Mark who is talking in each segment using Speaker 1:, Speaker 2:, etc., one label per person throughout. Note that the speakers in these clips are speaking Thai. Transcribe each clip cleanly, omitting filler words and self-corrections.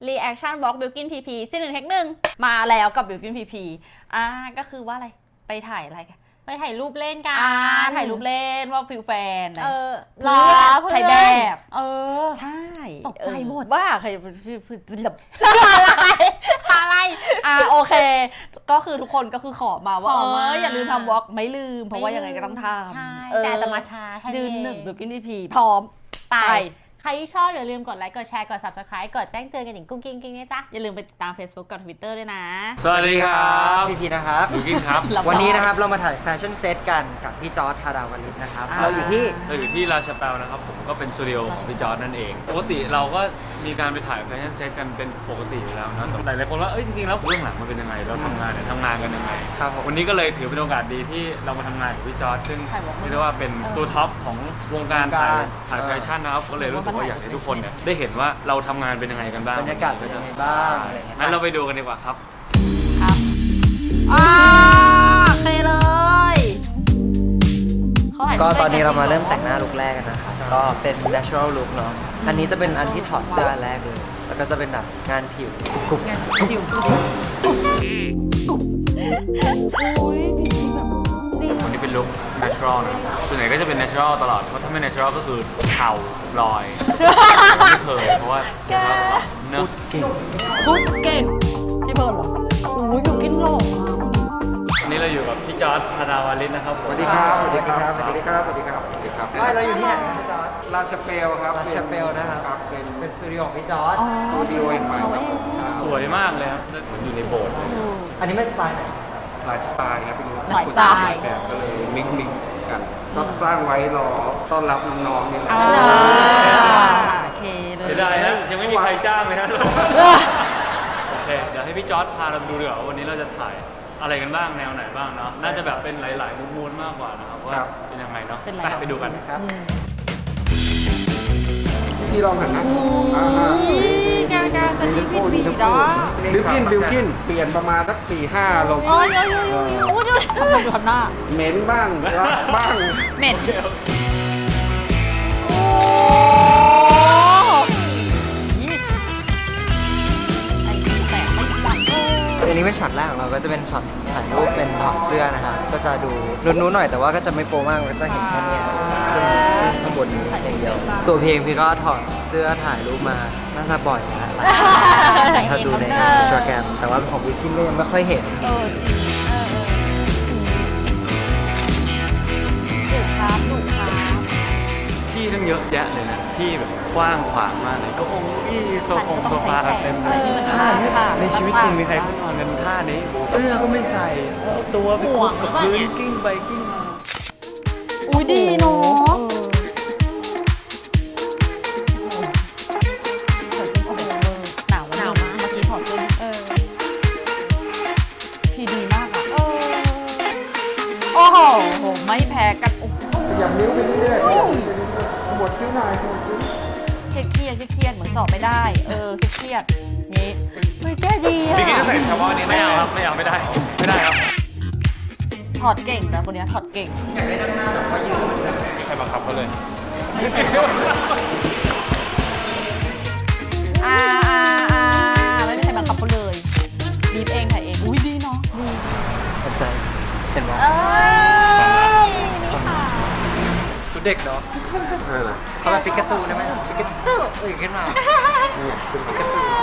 Speaker 1: Reaction Walk Bilkin PP ซีน1เทค1มาแล้วกับ Bilkin PP ก็คือว่าอะไรไปถ่ายอะไรกัน
Speaker 2: ไปถ่ายรูปเล่นกัน
Speaker 1: ถ่ายรูปเล่นว่าฟิลแฟน
Speaker 2: รอ
Speaker 1: ถ่ายแบบใช่
Speaker 2: ตกใจหมด
Speaker 1: ว่าใคร
Speaker 2: อะไร
Speaker 1: โอเคก็คือทุกคนก็คือขอมาว่าอย่าลืมทำวอล์กไม่ลืมเพราะว่ายังไงก็ต้องทำ
Speaker 2: ใช่แต่จะมาช้า
Speaker 1: ยืน1 Bilkin PP พร้อมไป
Speaker 2: ใครที่ชอบอย่าลืมกดไลค์กดแชร์กด Subscribe กดแจ้งเตือนกันอย่างกุ้งกิ้งนะจ๊ะ
Speaker 1: อย่าลืมไปติดตาม Facebook กับ Twitter ด้วยนะ
Speaker 3: สวัสดีครับ
Speaker 4: พี่นะครับ
Speaker 3: บิวกิ้นครับ
Speaker 4: วันนี้นะครับเรามาถ่ายแฟชั่นเซตกันกับพี่จอร์จธาราวลิตนะครับเราอยู่ที่
Speaker 3: ราชาแปลนะครับผมก็เป็นสตูดิโอของพี่จอร์จนั่นเองปกติเราก็มีการไปถ่ายแฟชั่นเซตกันเป็นปกติอยู่แล้วนะแต่หลายคนว่าจริงๆแล้วเรื่องหลังมันเป็นยังไงเราทำงานกันยังไงวันนี้ก็เลยถือเป็นโอกาสดีที่เรามาทำงานกับพี่จอร์จซึ่งเรียกได้ว่าเป็นตัวท็อปของวงการถ่ายแฟชั่นนะครับก็เลยรู้สึกว่าอยากให้ทุกคนเนี่ยได้เห็นว่าเราทำงานเป็นยังไงกันบ้าง
Speaker 4: บรรยากาศเป็นยังไงบ้าง
Speaker 3: งั้นเราไปดูกันดีกว่าครับ
Speaker 1: โอเคเลย
Speaker 4: ก็ตอนนี้เรามาเริ่มแต่งหน้าลุคแรกกันนะครับก็เป็น natural look เนาะอันนี้จะเป็นอันที่ถอดเสื้อแรกเลยแล้วก็จะเป็นแบบงานผิวกรุบ
Speaker 3: วันนี้เป็นลุค natural นะส่วนใหญ่ก็จะเป็น natural ตลอดเพราะถ้าไม่ natural ก็คือเข่าลอยไม่เคยเพราะว่า
Speaker 4: พูดเก่ง
Speaker 1: พี่เบิร์ดเหรออยู่กินหล่อ
Speaker 3: วันนี้เราอยู่กับพี่จอร์จธาราวลิตนะครับ
Speaker 4: สวัสดีครับเราอยู่ที่ไหนพี่จอร์จ
Speaker 5: ราชเปลครับ
Speaker 4: ราชเปลนะครับเป็นสตูดิโอของพี่จอร์จ
Speaker 5: สตูดิโอแห่งใหม่ครับ
Speaker 3: สวยมากเลยครับเหมือนอยู่ในโบสถ์
Speaker 4: อันนี้ไม่สไตล์ไหน
Speaker 5: หลายสไตล์ครับเป็น
Speaker 1: หลายสไตล์
Speaker 5: แบบก็เลยมิกกันก็สร้างไว้รอต้อนรับน้องๆนี่แหละ
Speaker 1: โอเคเลย
Speaker 3: จะได้นะยังไม่มีใครจ้างเลยนะโอเคเดี๋ยวให้พี่จอร์จพาเราดูดีกว่าวันนี้เราจะถ่ายอะไรกันบ้างแนวไหนบ้างเนาะน่าจะแบบเป็นหลายๆมูดมากกว่านะครับว่าเป็นยังไงเนาะไปดูกัน
Speaker 4: ครับ
Speaker 5: พี่ลองหันนะ
Speaker 1: บิ
Speaker 5: วกินเปลี่ยนประมาณสัก 4-5 ลง
Speaker 1: ดูทำหน้า
Speaker 5: เหม็นบ้างรักบ้าง
Speaker 1: เหม็น
Speaker 4: อันนี้เป็นช็อตแรกของเราก็จะเป็นช็อตถ่ายรูปเป็นถอดเสื้อนะครับก็จะดูลุ้นๆหน่อยแต่ว่าก็จะไม่โปรมากก็จะเห็นแค่นี้ขึ้นข้างบนนี้อย่างเดียวตัวเพลงพี่ก็ถอดเสื้อถ่ายรูปมาน่าจะบ่อยนะถ้าดูในอินสตาแกรมแต่ว่าของวิกกิ้นก็ยังไม่ค่อยเห็น
Speaker 1: จริงดุครับ
Speaker 3: ที่ตั้งเยอะแยะเลยนะที่แบบกว้างขวางมากเลยก็โซฟาเต็มเลยท่าในชีวิตจริงมีใครเขานอนกันท่านี้เสื้อก็ไม่ใส่ตัวไปคุกกับพื้นกิ้งไปกิ้งมา
Speaker 1: ดีเนาะหนาวมากเมื่อกี้ถอดเสื้อพี่ดีมากอ่ะโอ้โหไม่แพ้กัน
Speaker 5: ขยับนิ้วไปเรื่อยๆหมดคิ้วหน่อย
Speaker 1: เครียดเหมือนสอบไม่ได้เครียดนี่ไม่แก้ดีอ่ะ
Speaker 3: พี่กิ๊กจะใส่เฉพาะนี้ไม่เอาครับไม่ได้ครับ
Speaker 1: ถอดเก่งนะคนนี้ถอดเก่ง
Speaker 4: อยากได้ด้านหน้าแบบว่ายืน
Speaker 3: ใครบังคับเขาเลย
Speaker 1: ไม่มีใครบังคับเขาเลยบีบเองถ่ายเองดีเนาะ
Speaker 4: สนใจเห็นไหมชุดเด็กเนาะเขาแบบฟิกาจูได้ไหมฟิกาจูขึ้นมาฟิกาจู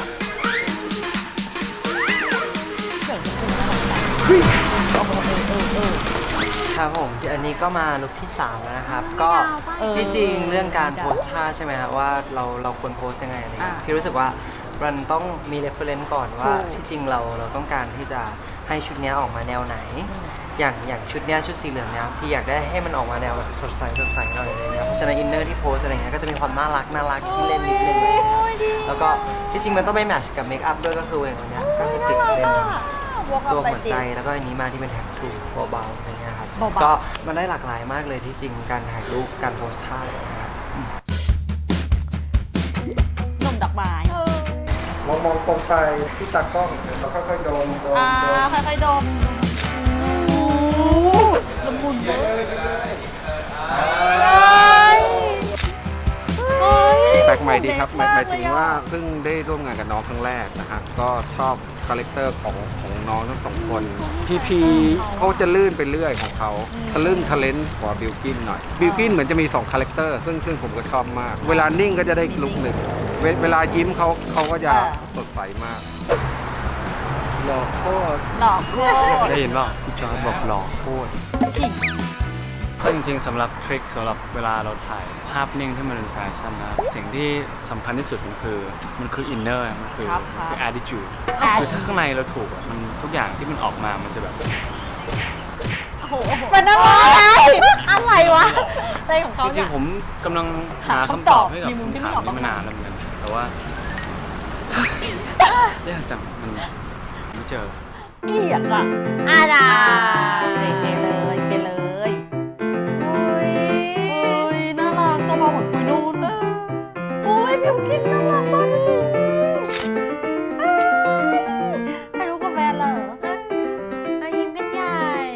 Speaker 4: ครับผมอันนี้ก็มาลุคที่3แล้วนะครับก็ที่จริงเรื่องการโพสท่าใช่ไหมครับว่าเราควรโพสยังไงพี่รู้สึกว่ามันต้องมี reference ก่อนว่าที่จริงเราต้องการที่จะให้ชุดนี้ออกมาแนวไหนอย่างชุดนี้ชุดสีเหลืองเนี้ยพี่อยากได้ให้มันออกมาแนวแบบสดใสหน่อยอะไรเงี้ยเพราะฉะนั้นอินเนอร์ที่โพสอะไรเงี้ยก็จะมีความน่ารักที่เล่นนิดนึงแล้วก็ที่จริงมันต้องไปแมทช์กับเมคอัพด้วยก็คืออย่างเงี้ยก็คือติดเป็นตัวหัวใจแล้วก็อันนี้มาที่เป็นแท็กทูเบาๆอะไรเงี้ยครับก็มันได้หลากหลายมากเลยที่จริงการถ่ายรูปการโพสท่าอะไรนะครับ
Speaker 1: นมดอกไม้
Speaker 5: มองตรงไปที่ตากล้องเราค่อยๆดม
Speaker 1: ค่อยๆดมละมุนเลย
Speaker 5: แปลกใหม่ดีครับหมายถึงว่าเพิ่งได้ร่วมงานกับน้องครั้งแรกนะฮะก็ชอบคาแรคเตอร์ของน้องทั้งสองคนพีเขาจะลื่นไปเรื่อยของเขาทะลึ่งทะเลนกว่าบิลกินหน่อยบิลกินเหมือนจะมี2คาแรคเตอร์ซึ่งผมก็ชอบมากเวลานิ่งก็จะได้ลุกหนึ่งเวลายิ้มเขาก็จะสดใสมากหล่อโคตร
Speaker 1: หลอกโคตร
Speaker 3: ได้ยินเปล่าพี่จอร์จบอกหล่อโคตรก็จริงๆสำหรับทริคสำหรับเวลาเราถ่ายภาพนิ่งที่มันเป็นแฟชั่นนะสิ่งที่สำคัญที่สุดมันคืออินเนอร์มันคือ attitude คือถ้าข้างในเราถูกอะมันทุกอย่างที่มันออกมามันจะแบบ
Speaker 1: เป็นอะไรอะไรวะ
Speaker 2: อะไรของเขา
Speaker 3: จริ
Speaker 2: เนี่
Speaker 3: ง
Speaker 2: ย
Speaker 3: ๆผมกำลังหาคำตอบให้กับคำถามนี้มานานแล้วเหมือนกันแต่ว่า ยากจังมันไม่เจอ
Speaker 1: เกลียดอ่ะ
Speaker 2: นะ
Speaker 1: เคเลยเคเลยอุ้ยน่ารักตัวเบาเหมือนปุยนุ่นโอ้ยบิวกินน่ารักมากเลยให้รู้กับแฟนเหรอ
Speaker 2: ยิ้มกันใหญ่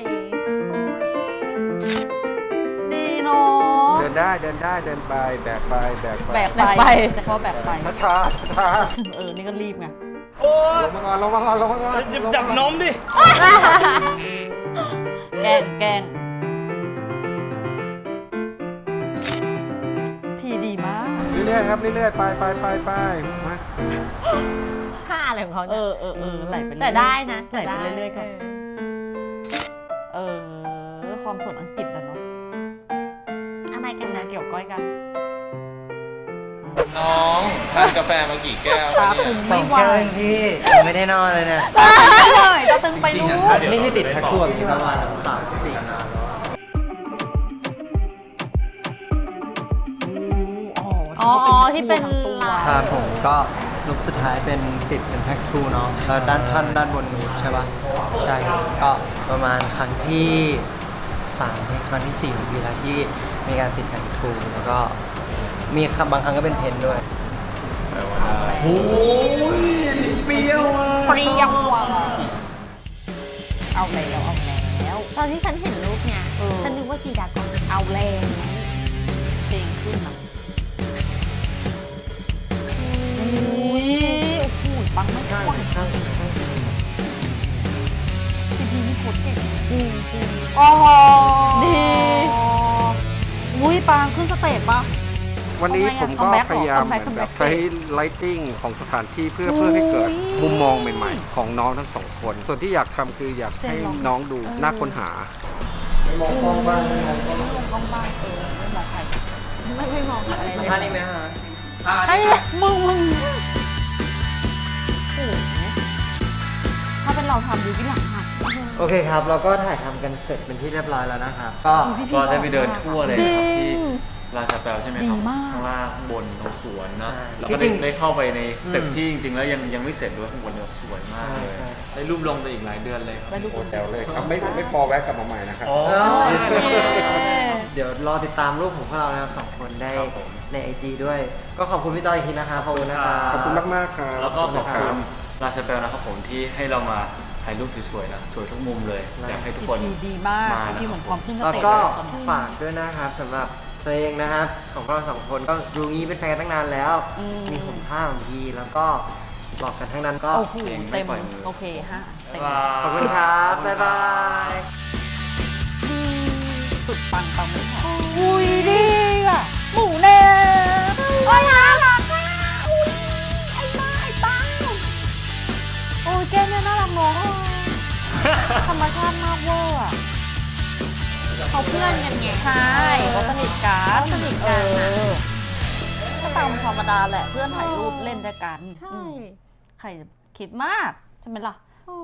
Speaker 1: ดีเนาะ
Speaker 5: เดินได้เดินไปแบกไป
Speaker 1: แบกไปแต่เขาแบกไป
Speaker 5: ช้า
Speaker 1: นี่ก็รีบไง
Speaker 5: ลงมาก่อน
Speaker 3: จับนมดิ
Speaker 1: แกล้งทีดีมาก
Speaker 5: เรื่อยๆครับเรื่อยๆไปมา
Speaker 2: ท่าอะไรของเขา
Speaker 1: เอ
Speaker 2: เนี่ย
Speaker 1: อไหลไปเรื่อย
Speaker 2: แต่ได้นะ
Speaker 1: ไหลไปเรื่อยๆกันความสดอังกฤษนะเนาะ
Speaker 2: อะไรกัน
Speaker 1: นะ
Speaker 2: นะ
Speaker 1: เกี่ยวก้อยกัน
Speaker 6: น้องทานกาแฟมากี่แก้ว
Speaker 1: ตา
Speaker 6: แล้ว
Speaker 1: ตึ
Speaker 6: เนี่ย
Speaker 1: ง
Speaker 4: ส
Speaker 1: ไม่
Speaker 4: อง
Speaker 1: ไหว
Speaker 4: แก้วเองพี่ไม่ได้นอนเลยเนี่ย
Speaker 1: เลยตาตึงไปลูก
Speaker 4: นี่ติดแพ็คทั่วมีประมาณ3-4 งานแล้ว
Speaker 2: อ๋อที่เป็นลาย
Speaker 4: ครับผมก็ลุคสุดท้ายเป็นติดเป็นแพ็คทูเนาะแล้วด้านบนนูดใช่ปะใช่ครับก็ประมาณครั้งที่3ครั้งที่4ของพี่แล้วที่มีการติดแพ็คทูแล้วก็มีบางครั้งก็เป็นเพนด้วยโอ้ยเปรี้ยวอ่ะ
Speaker 1: เปรี้ยวอ่ะเอาแล้ว
Speaker 2: ตอนที่ฉันเห็นรูปเนี่ย ฉันนึกว่าจีดากอน
Speaker 1: เอาแล้วเพลงขึ้นอ่ะอุ้ยโอ้โหปังไม่ไหวทีดีนี่โคตรเก่ง
Speaker 2: จริง
Speaker 1: โอ้โหดีอุ้ยปังขึ้นสเตจปะ
Speaker 5: วันนี้ผมก็
Speaker 1: comeback
Speaker 5: พยายาม
Speaker 1: comeback
Speaker 5: เหมือนแบบ
Speaker 1: comeback
Speaker 5: ใช้ lighting ของสถานที่เพื่อให้เกิดมุมมองใหม่ๆ ของน้องทั้งสองคน ส่วนที่อยากทำคืออยากให้น้องดูน่าค้นหา
Speaker 4: ไม่มองกล้องบ้าง
Speaker 1: ลงกล้องบ้างไม่มองใคร
Speaker 2: ไม่มองอะไรเลย
Speaker 4: ท่านี้ไหมฮะ
Speaker 1: ไอ้มึงโอ้โหถ้าเป็นเราทำดูที่หลังหัก
Speaker 4: โอเคครับ เราก็ถ่ายทำกันเสร็จเป็นที่เรียบร้อยแล้วนะครับก็
Speaker 3: ก็ได้ไปเดินทั่วเลยนะครับ
Speaker 1: จริ
Speaker 3: ที่
Speaker 1: ง
Speaker 3: ราชาแปลใช่ไหมครับ
Speaker 1: ดีมาก
Speaker 3: ข้างล่างข้างบนตรงสวนนะ
Speaker 4: ใช่
Speaker 3: แล้วก็
Speaker 4: จริงๆ
Speaker 3: ได้เข้าไปในตึก
Speaker 4: อืม
Speaker 3: ที่จริงๆแล้วยังไม่เสร็จด้วยข้างบนเนี่ยสวยมากเลย
Speaker 4: ใช่
Speaker 3: ได้รูปลงไปอีกหลายเดือนเลยครับ
Speaker 1: ได้รูป
Speaker 5: โอ้แถวเลยครับไม่พอแวะกลับมาใหม่นะครับ
Speaker 3: อ๋อ
Speaker 4: เดี๋ยวรอติดตามรูปของพวกเรานะครับ2 คนได้
Speaker 3: ครับผม
Speaker 4: ใน IG ด้วย ก็ขอบคุณพี่จอยอีกทีนะครับขอบคุณนะครับ
Speaker 5: ขอบคุณมากๆครับ
Speaker 3: แล้วก็ขอบคุณราชาแปลนะครับผมที่ให้เรามาถ่ายรูปสวยๆนะสวยทุกมุมเลยอยากให้ทุกคน
Speaker 1: ดีมาก
Speaker 3: มานะครับ
Speaker 1: ที่เหมือนความขึ้นส
Speaker 4: แล้ว
Speaker 1: เตจ
Speaker 4: ก็
Speaker 1: ตอนนี้
Speaker 4: ฝากด้วยนะครับสำหรับเพลงนะครับของพวกเรา2 คนก็ดูงี้เป็นแฟนกันตั้งนานแล้ว มีหุ่นผ้าของพี่แล้วก็หลอกกันทั้งนั้นก็
Speaker 1: โอ้โห
Speaker 3: เพลงไม่
Speaker 1: เต็ม
Speaker 3: ปล่อยมือ
Speaker 1: โอเคฮะเต็ม
Speaker 4: ขอบคุณครับ บ๊ายบาย
Speaker 1: สุดปังปังไม่พออุ้ยดีอ่ะหมูแน่โอ้ยน่ารักอ่ะอุ้ยไอ้บ้าไอ้ปังโอ้ยแกเนี่ยน่ารักเน้องธรรมชาติมากเวอร์อ่ะ
Speaker 2: เขาเพื่อนกันไง
Speaker 1: ใช่เขาสนิทกัน
Speaker 2: เขาสนิทกันอะ
Speaker 1: ก็ตามธรรมดาแหละเพื่อนถ่ายรูปเล่นด้วยกัน
Speaker 2: ใช่
Speaker 1: ใครจะคิดมากใช่ไหมล่ะ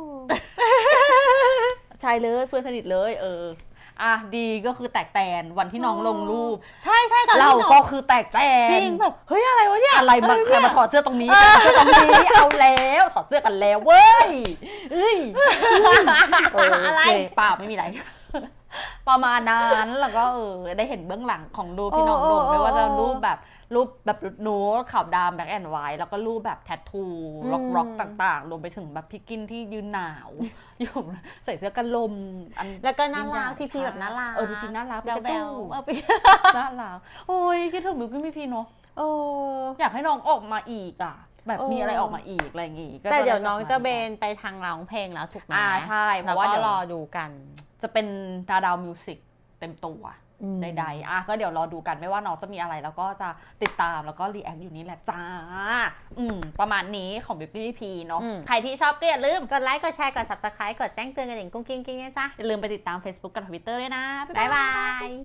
Speaker 1: ใช่เลยเพื่อนสนิทเลยอ่ะดีก็คือแตกแตนวันที่น้องลงรูป
Speaker 2: ใช่ตอน
Speaker 1: เรา
Speaker 2: ที่น้อง
Speaker 1: ก็คือแตกแตน
Speaker 2: จริงแบบเฮ้ยอะไรวะเนี่ย
Speaker 1: อะไรมาใครมาถอดเสื้อตรงนี้ถอดเสื้อตรงนี้เอาแล้วถอดเสื้อกันแล้วเว้ยเอ้ย
Speaker 2: อะไร
Speaker 1: โอเคเปล่าไม่มีอะไร ประมาณนั้นแล้วก็ได้เห็นเบื้องหลังของรูปที่น้องลงไม่ว่าจะรูปแบบโน้ตขาวดำแบล็คแอนด์ไวท์แล้วก็รูปแบบแทททูร็อกต่างๆรวมไปถึงแบบพี่กินที่ยืนหนาว อยู่ใส่เสื้อกันลมอัน
Speaker 2: แล้วก็น่ารักพี่แบบน่ารัก
Speaker 1: พี่พีน่ารัก
Speaker 2: แบล
Speaker 1: พี่
Speaker 2: ๆ
Speaker 1: น่ารักโอ้ยคิดถึงบิวกิ้นพี่พีเนาะอยากให้น้องออกมาอีกอ่ะแบบมีอะไรออกมาอีกอะไรอย่างงี้ก็
Speaker 2: แต่เดี๋ยว
Speaker 1: ไ
Speaker 2: น้องจะเบนไปทางร้องเพลงแล้วถูกไหม
Speaker 1: ใช่เพ
Speaker 2: แล้ว
Speaker 1: ราะว่า
Speaker 2: ก็
Speaker 1: เดี๋ยว
Speaker 2: รอดูกัน
Speaker 1: จะเป็นดาวมิวสิกเต็มตัวใดๆก็เดี๋ยวรอดูกันไม่ว่าน้องจะมีอะไรแล้วก็จะติดตามแล้วก็รีแอคอยู่นี่แหละจ้าประมาณนี้ของ Beauty P เนาะใครที่ชอบก็อย่าลืม
Speaker 2: กดไลค์กดแชร์กด subscribe กดแจ้งเตือนกันอย่างกุ้งกิ้งกิ้งนะจ๊ะ
Speaker 1: อย่าลืมไปติดตาม Facebook กับ Twitter ด้วยนะ
Speaker 2: บ๊ายบาย